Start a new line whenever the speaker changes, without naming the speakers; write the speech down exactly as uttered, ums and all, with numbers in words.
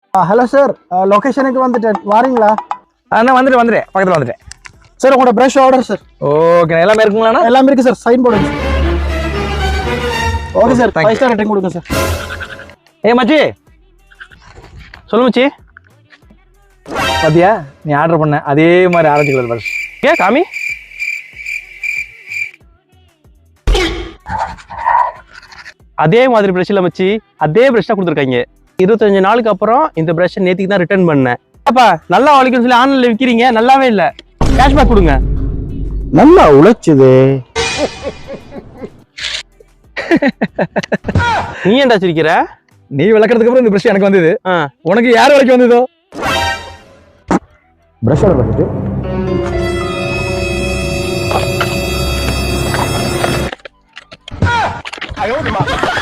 Hello sir, லொகேஷனுக்கு வந்துட்டேன், வாரீங்களா?
அண்ணா வந்துட்டு வந்துட்டேன், பக்கத்தில் வந்துட்டேன்
சார். உங்களோட ப்ரஷ் ஆர்டர் சார்.
ஓகே, எல்லாமே இருக்குங்களாண்ணா?
எல்லாமே இருக்கு சார், சைன் போடுங்க. Okay sir, five star rating கொடுங்க சார்.
ஏ மச்சி, சொல்லு மச்சி. பாத்தியா, நீ ஆர்டர் பண்ண அதே மாதிரி ஆரஞ்சு கலர் ப்ரஷ். ஏ காமி, அதே மாதிரி ப்ரஷ் இல்லை மச்சி, அதே ப்ரஷ் தான் கொடுத்துருக்காங்க. இருபத்தஞ்சு நாளுக்கு அப்புறம் இந்த ப்ரஷ் நேற்றுக்கு தான் ரிட்டர்ன் பண்ணேன். அப்பா நல்லா உழைக்குன்னு சொல்லி ஆன்லைன்ல விற்கிறீங்க, நல்லாவே இல்லை. கேஷ்பேக் கொடுங்க.
நல்லா உழைச்சுது.
நீ ஏன்டா சிரிக்கிற?
நீ விளக்குறதுக்கு அப்புறம் இந்த ப்ரஷ் எனக்கு வந்தது, உனக்கு யார் விளக்கி வந்ததோ?
ப்ரஷ் ஆர்டர் பண்ணிட்டு
ஐயோ